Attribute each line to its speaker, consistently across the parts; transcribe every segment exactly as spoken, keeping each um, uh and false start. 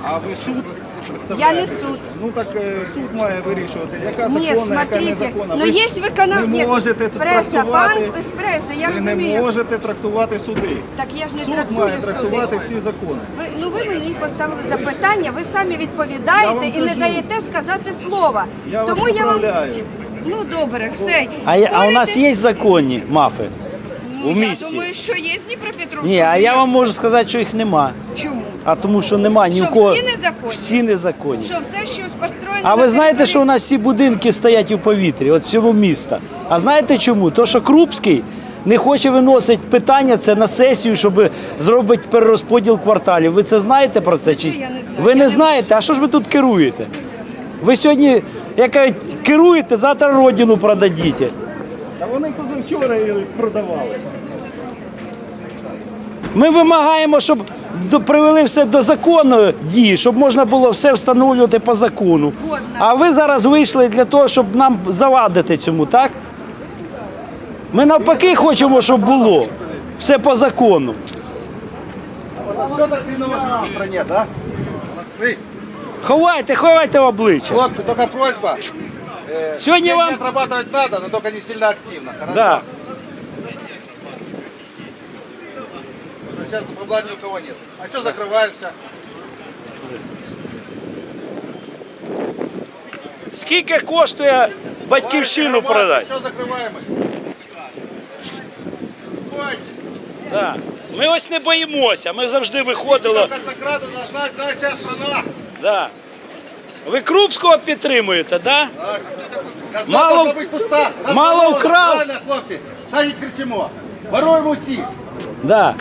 Speaker 1: А ви суд
Speaker 2: Я
Speaker 1: представляєте?
Speaker 2: не суд.
Speaker 1: Ну так е, суд має вирішувати, яка
Speaker 2: Нет,
Speaker 1: законна, яка
Speaker 2: смотрите,
Speaker 1: незаконна.
Speaker 2: но
Speaker 1: Ви ж
Speaker 2: есть выконав...
Speaker 1: не
Speaker 2: Нет,
Speaker 1: можете
Speaker 2: пресса, пан
Speaker 1: трактувати,
Speaker 2: з преси, я
Speaker 1: ви не
Speaker 2: розумію.
Speaker 1: можете трактувати суди.
Speaker 2: Так я ж не
Speaker 1: Суд
Speaker 2: трактую
Speaker 1: має
Speaker 2: суди.
Speaker 1: трактувати всі закони.
Speaker 2: Ви, ну ви мені поставили запитання, ви самі
Speaker 1: Я
Speaker 2: відповідаєте
Speaker 1: вам
Speaker 2: і не
Speaker 1: кажу.
Speaker 2: даєте сказати слова.
Speaker 1: Я вас
Speaker 2: Тому я вам...
Speaker 1: поправляю.
Speaker 2: Ну добре, все.
Speaker 3: А, я- а у нас
Speaker 2: Спорите?
Speaker 3: є законні мафи
Speaker 2: Ну,
Speaker 3: у
Speaker 2: я
Speaker 3: місті?
Speaker 2: думаю, що є Дніпропетровська.
Speaker 3: Ні, а я вам можу сказати, що їх нема.
Speaker 2: Чому?
Speaker 3: А тому що нема ні
Speaker 2: Що
Speaker 3: у кого.
Speaker 2: всі незаконні?
Speaker 3: Всі незаконні.
Speaker 2: Що все, що построєно
Speaker 3: А
Speaker 2: на
Speaker 3: ви знаєте,
Speaker 2: території-
Speaker 3: що у нас всі будинки стоять у повітрі, от всього міста. А знаєте чому? То, що Крупський не хоче виносити питання це на сесію, щоб зробити перерозподіл кварталів. Ви це знаєте про це? Чи
Speaker 2: я не знаю.
Speaker 3: ви
Speaker 2: Я
Speaker 3: не
Speaker 2: не-
Speaker 3: знаєте? А що ж ви тут керуєте? Ви сьогодні, як кажуть, керуєте, завтра родину продадите.
Speaker 1: Та вони позавчора її продавали.
Speaker 3: Ми вимагаємо, щоб до- привели все до законної дії, щоб можна було все встановлювати по закону.
Speaker 2: Згодна.
Speaker 3: А ви зараз вийшли для того, щоб нам завадити цьому, так? Ми навпаки хочемо, щоб було все по закону.
Speaker 4: Кто так виноват в стране, да? Молодцы.
Speaker 3: Ховайте, ховайте обличчя.
Speaker 4: Хлопцы, только просьба. Э,
Speaker 3: Сегодня
Speaker 4: деньги
Speaker 3: вам-
Speaker 4: отрабатывать надо, но только не сильно активно. Хорошо?
Speaker 3: Да.
Speaker 4: Потому что сейчас бабла ни у кого нет. А что закрываемся?
Speaker 3: Скільки коштує батьківщину продати?
Speaker 4: Что закрываемость? Стойте.
Speaker 3: Да. Ми ось не боїмося, ми завжди виходили.
Speaker 4: Казнокрада наша, наша вся страна.
Speaker 3: Да. Ви Крупського підтримуєте, так? Да?
Speaker 4: Казна
Speaker 3: Мало-
Speaker 4: должна быть пуста. Нас
Speaker 3: мало
Speaker 4: воровали.
Speaker 3: вкрав.
Speaker 4: Правильно, хлопці. Та й кричимо. Воруємо всі.
Speaker 3: Да.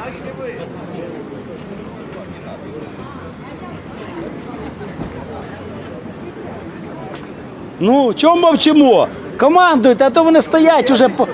Speaker 3: Ну, чому мовчимо? Командуйте, а то вони стоять уже по.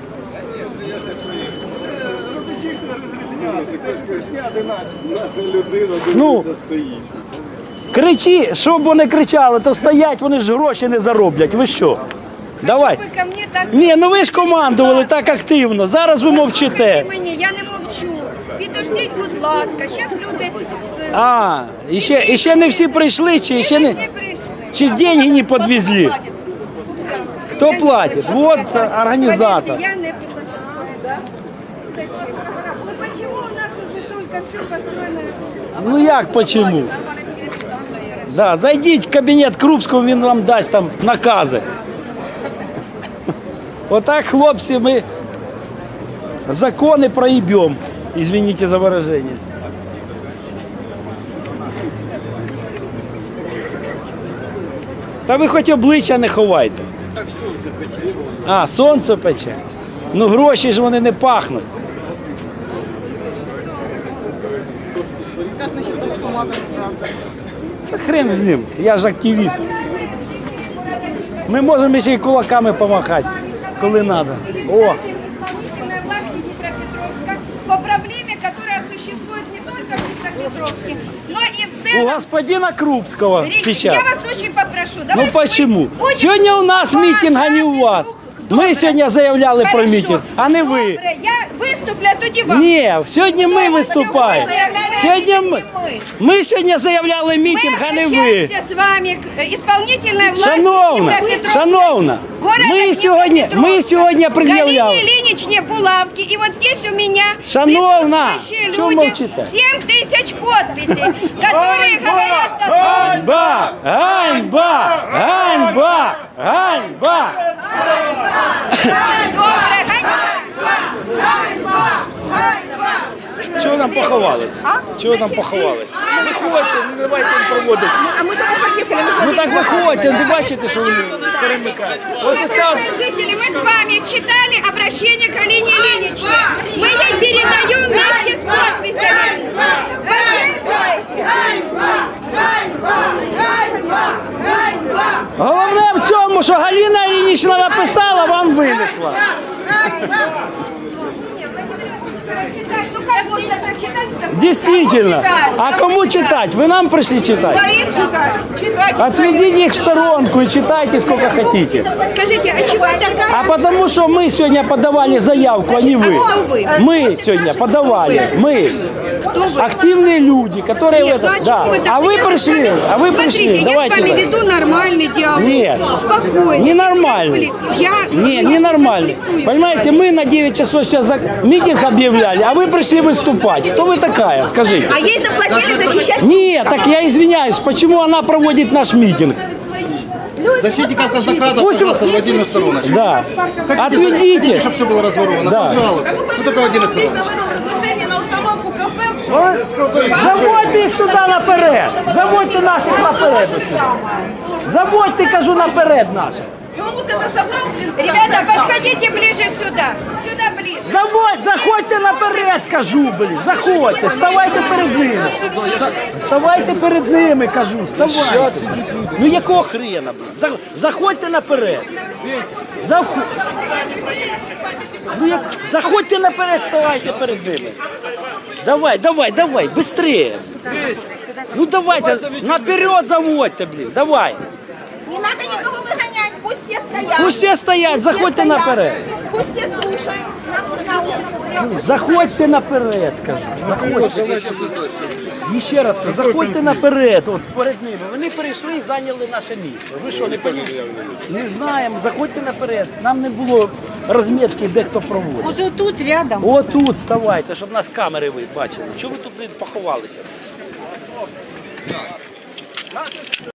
Speaker 3: Ну, кричи, щоб вони кричали, то стоять, вони ж гроші не зароблять. Ви що? Давай.
Speaker 2: Ви ко мені так...
Speaker 3: Ні, ну ви ж командували так активно. Зараз ви мовчите.
Speaker 2: Слухайте мені, я не мовчу. Підождіть, будь ласка. Зараз люди... е,
Speaker 3: А, і ще, і ще не всі прийшли, чи ще не.
Speaker 2: всі прийшли.
Speaker 3: Чи деньги не подвезли? Хто платить? Вот організатор.
Speaker 2: Поверьте, я не плачу. Ну почему у нас уже только все построено?
Speaker 3: Ну як почему? Да, зайдіть в кабінет Крупського, він вам дасть там накази. Отак, хлопці, ми закони проїбемо. Извините за выражение. Та ви хоч обличчя не ховайте. Так сонце пече. А, сонце пече. Ну гроші ж вони не пахнуть. Та хрен з ним, я ж активіст. Ми можемо ще й кулаками помахати, коли треба. О,
Speaker 2: Исполнительной власти Днепропетровска по проблеме, которая существует не только в Днепропетровске, но и в
Speaker 3: у
Speaker 2: целом.
Speaker 3: господина Крупского
Speaker 2: Рик,
Speaker 3: сейчас.
Speaker 2: Я вас очень попрошу.
Speaker 3: Ну
Speaker 2: давайте мы
Speaker 3: почему?
Speaker 2: будем
Speaker 3: Сегодня у нас митинг, а не у вас.
Speaker 2: уважать
Speaker 3: Ми
Speaker 2: друг-
Speaker 3: сьогодні заявляли про
Speaker 2: Хорошо.
Speaker 3: мітинг, а не ви.
Speaker 2: Добре, я виступлю, а тоді вам.
Speaker 3: Ні, сьогодні ми виступаємо. Сьогодні ми, ми сьогодні заявляли мітинг, а
Speaker 2: Мы
Speaker 3: не ви.
Speaker 2: обращаемся с вами к э, исполнительной власти
Speaker 3: Шановна,
Speaker 2: Днепропетровска,
Speaker 3: шановна,
Speaker 2: города
Speaker 3: ми сьогодні, ми
Speaker 2: Днепропетровска.
Speaker 3: сьогодні пред'являли.
Speaker 2: Галине Ильиничне Булавки. И вот здесь у меня
Speaker 3: Шановна,
Speaker 2: присутствующие
Speaker 3: чего
Speaker 2: люди,
Speaker 3: молчите?
Speaker 2: семь тысяч подписей, которые говорят...
Speaker 3: Ганьба! Ганьба! Ганьба! Ганьба!
Speaker 2: Добре, ганьба!
Speaker 3: Чого нам поховались? Чого нам поховались? Виходьте, не давайте їм проводити.
Speaker 2: А мы только поехали.
Speaker 3: Ну так виходьте, не бачите, що вони перемикають. Ось ось так.
Speaker 2: Уважаемые жители, мы с вами читали обращение к Алине Ильиничне. Мы ей передаем вместе с подписями. Поддерживайте.
Speaker 3: Головне в цьому, що Галина Іллінічна написала, вам винесла.
Speaker 2: Ну как можно читать с тобой?
Speaker 3: Действительно. А кому читать? Вы нам пришли читать?
Speaker 5: Своим читать. Читайте
Speaker 3: Отведите их в сторонку и читайте сколько хотите.
Speaker 2: Скажите, а чего такая?
Speaker 3: А потому что мы сегодня подавали заявку, а не вы.
Speaker 2: А кто вы?
Speaker 3: Мы сегодня подавали. Мы.
Speaker 2: Кто вы?
Speaker 3: Активные люди, которые
Speaker 2: Нет,
Speaker 3: в
Speaker 2: ну
Speaker 3: этом.
Speaker 2: а
Speaker 3: Да.
Speaker 2: чего вы так?
Speaker 3: А вы
Speaker 2: Я
Speaker 3: пришли,
Speaker 2: с вами-
Speaker 3: а вы
Speaker 2: Смотрите,
Speaker 3: пришли.
Speaker 2: я
Speaker 3: Давайте.
Speaker 2: с вами
Speaker 3: так.
Speaker 2: веду нормальный диалог.
Speaker 3: Нет.
Speaker 2: Спокойно.
Speaker 3: Ненормальный.
Speaker 2: Я
Speaker 3: Не,
Speaker 2: ну,
Speaker 3: ненормальный.
Speaker 2: конфликтую с
Speaker 3: Понимаете,
Speaker 2: вами.
Speaker 3: мы на девять часов сейчас за... митинг объявляли, а вы пришли выступать. Кто вы такая, скажите?
Speaker 5: А ей заплатили защищать?
Speaker 3: Нет, так я извиняюсь, почему она проводит наш митинг?
Speaker 4: Защитников казнокрадов,
Speaker 3: Пусть-
Speaker 4: пожалуйста, в отдельную сторону.
Speaker 3: Да.
Speaker 4: Хотите,
Speaker 3: Отведите.
Speaker 4: чтобы все было разворовано,
Speaker 3: Да.
Speaker 4: пожалуйста. Ну только в отдельную сторону.
Speaker 5: Решение на установку кафе.
Speaker 3: Заводьте їх сюди наперед. Заводьте наших наперед. Заводьте, кажу, наперед наших.
Speaker 5: И он вот это собрал, блин.
Speaker 2: Ребята, подходите ближе сюда. Сюда ближе.
Speaker 3: Заводь, заходьте наперед, кажу, блін. Заходьте, ставайте перед ними. Ставайте перед ними, кажу, ставайте. Ну якого хрена, блін? За- Заходьте наперед. Заход... Ну, як... Заходьте наперед, ставайте перед ними. Давай, давай, давай, быстрее. Ну давайте, наперед заводьте, блін, давай.
Speaker 5: Не надо никого выгонять, пусть все стоят.
Speaker 3: Пусть всі стоять,
Speaker 5: Пусть
Speaker 3: заходьте
Speaker 5: все стоят.
Speaker 3: наперед.
Speaker 5: Пусть все слушают. Нам нужна улица.
Speaker 3: Заходьте наперед, кажу. Заходьте. І ще раз кажу, заходьте наперед, от перед ними. Вони перейшли і зайняли наше місце. Ви що, не розумієте? Не знаємо, заходьте наперед. Нам не було розмітки, де хто проводить.
Speaker 2: Уже тут рядом.
Speaker 3: Отут ставайте, щоб нас камери ви бачили. Чого ви тут блін, поховалися?